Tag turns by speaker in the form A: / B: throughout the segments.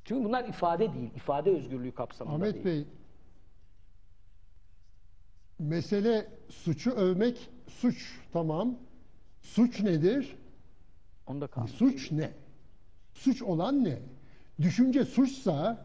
A: Çünkü bunlar ifade değil. İfade özgürlüğü kapsamında
B: Ahmet
A: değil.
B: Bey, mesele suçu övmek suç, tamam. Suç nedir?
A: Onu da kanun.
B: Suç ne? Suç olan ne? Düşünce suçsa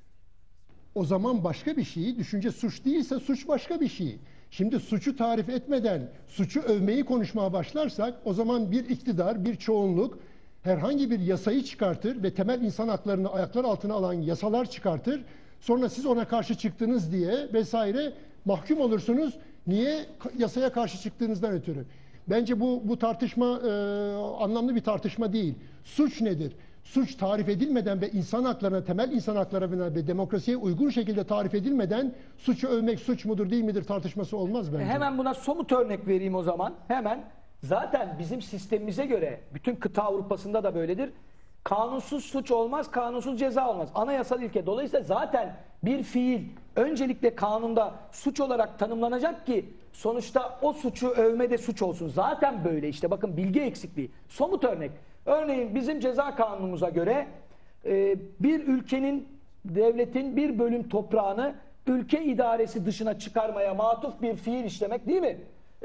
B: o zaman başka bir şey. Düşünce suç değilse suç başka bir şey. Şimdi suçu tarif etmeden suçu övmeyi konuşmaya başlarsak o zaman bir iktidar, bir çoğunluk herhangi bir yasayı çıkartır ve temel insan haklarını ayaklar altına alan yasalar çıkartır. Sonra siz ona karşı çıktınız diye vesaire mahkum olursunuz. Niye? Yasaya karşı çıktığınızdan ötürü. Bence bu tartışma anlamlı bir tartışma değil. Suç nedir? Suç tarif edilmeden ve insan haklarına, temel insan haklarına ve demokrasiye uygun şekilde tarif edilmeden suçu övmek suç mudur değil midir tartışması olmaz bence.
A: Hemen buna somut örnek vereyim o zaman. Hemen. Zaten bizim sistemimize göre, bütün kıta Avrupa'sında da böyledir. Kanunsuz suç olmaz, kanunsuz ceza olmaz. Anayasal ilke. Dolayısıyla zaten bir fiil öncelikle kanunda suç olarak tanımlanacak ki sonuçta o suçu övme de suç olsun. Zaten böyle işte, bakın, bilgi eksikliği. Somut örnek. Örneğin bizim ceza kanunumuza göre bir ülkenin, devletin bir bölüm toprağını ülke idaresi dışına çıkarmaya matuf bir fiil işlemek, değil mi?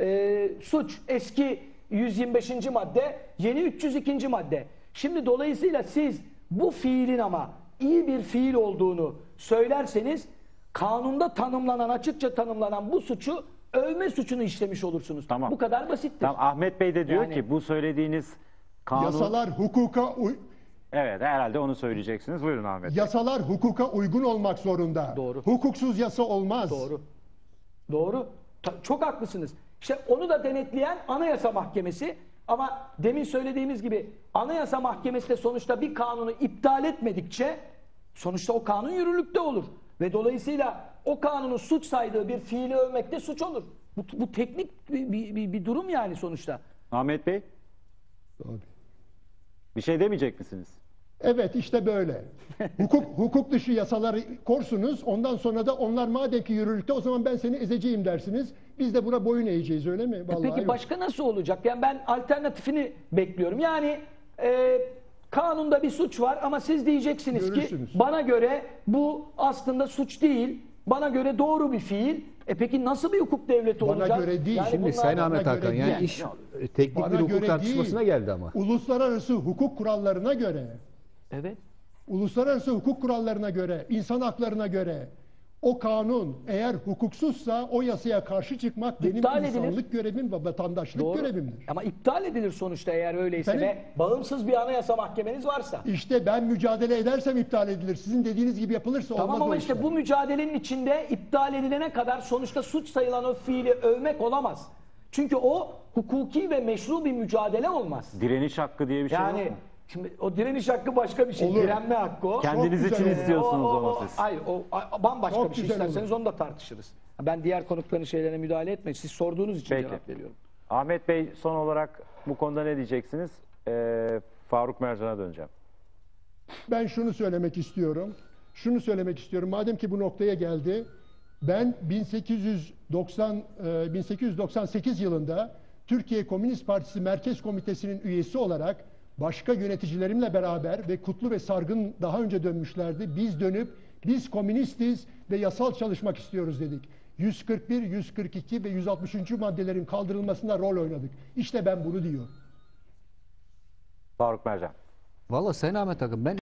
A: Suç. Eski 125. madde, yeni 302. madde. Şimdi dolayısıyla siz bu fiilin ama iyi bir fiil olduğunu söylerseniz kanunda tanımlanan, açıkça tanımlanan bu suçu övme suçunu işlemiş olursunuz.
C: Tamam.
A: Bu kadar basittir.
C: Tamam, Ahmet Bey de diyor
A: Yani-
C: ki bu söylediğiniz kanun...
B: Yasalar hukuka
C: Evet, herhalde onu söyleyeceksiniz. Buyurun Ahmet Bey.
B: yasalar hukuka uygun olmak zorunda.
A: Doğru.
B: Hukuksuz yasa olmaz.
A: Doğru. Doğru. Çok haklısınız. İşte onu da denetleyen Anayasa Mahkemesi, ama demin söylediğimiz gibi Anayasa Mahkemesi de sonuçta bir kanunu iptal etmedikçe sonuçta o kanun yürürlükte olur. Ve dolayısıyla o kanunu suç saydığı bir fiili övmek de suç olur. Bu teknik bir durum yani sonuçta.
C: Ahmet Bey,
B: Doğru.
C: bir şey demeyecek misiniz?
B: Evet, işte böyle. Hukuk dışı yasaları korsunuz. Ondan sonra da onlar madem ki yürürlükte, o zaman ben seni ezeceğim dersiniz. Biz de buna boyun eğeceğiz, öyle mi? Vallahi
A: Peki
B: yok.
A: başka nasıl olacak? Yani ben alternatifini bekliyorum. Yani kanunda bir suç var ama siz diyeceksiniz ki
B: Görürsünüz.
A: bana göre bu aslında suç değil. Bana göre doğru bir fiil. Peki nasıl bir hukuk devleti
B: Bana
A: olacak?
B: göre değil.
A: Yani
B: Şimdi
A: bunlar-
D: Sayın Ahmet
B: göre
D: Hakan,
B: değil.
D: yani iş teknik
B: Bana
D: bir hukuk
B: göre
D: tartışmasına
B: değil.
D: geldi ama.
B: Uluslararası hukuk kurallarına göre,
A: Evet.
B: uluslararası hukuk kurallarına göre, insan haklarına göre o kanun eğer hukuksuzsa o yasaya karşı çıkmak benim
A: İptal edilir.
B: insanlık görevim ve vatandaşlık
A: Doğru.
B: görevimdir.
A: Ama iptal edilir sonuçta eğer öyleyse
B: Efendim?
A: ve bağımsız bir anayasa mahkemeniz varsa.
B: İşte ben mücadele edersem iptal edilir. Sizin dediğiniz gibi yapılırsa
A: Tamam
B: olmaz
A: ama
B: o
A: işte
B: işler.
A: bu mücadelenin içinde iptal edilene kadar sonuçta suç sayılan o fiili övmek olamaz. Çünkü o hukuki ve meşru bir mücadele olmaz.
C: Direniş hakkı diye bir şey yok
A: Yani
C: mu?
A: şimdi o direniş hakkı başka bir şey.
B: Olur.
A: Direnme hakkı o.
C: Kendiniz
B: Çok
C: için
B: güzel.
C: istiyorsunuz ama siz.
A: Hayır, o bambaşka
B: Çok
A: bir şey.
B: güzel
A: İsterseniz
B: olur.
A: onu da tartışırız. Ben diğer konukların şeylerine müdahale etmeyin. Siz sorduğunuz için
C: Peki.
A: cevap veriyorum.
C: Ahmet Bey, son olarak bu konuda ne diyeceksiniz? Faruk Mercan'a döneceğim.
B: Ben şunu söylemek istiyorum. Şunu söylemek istiyorum. Madem ki bu noktaya geldi, ben 1898 yılında Türkiye Komünist Partisi Merkez Komitesi'nin üyesi olarak başka yöneticilerimle beraber ve Kutlu ve Sargın daha önce dönmüşlerdi. Biz dönüp biz komünistiz ve yasal çalışmak istiyoruz dedik. 141, 142 ve 160. maddelerin kaldırılmasında rol oynadık. İşte ben bunu diyorum.
C: Faruk Mercan.
D: Valla Sayın Ahmet Hakan, ben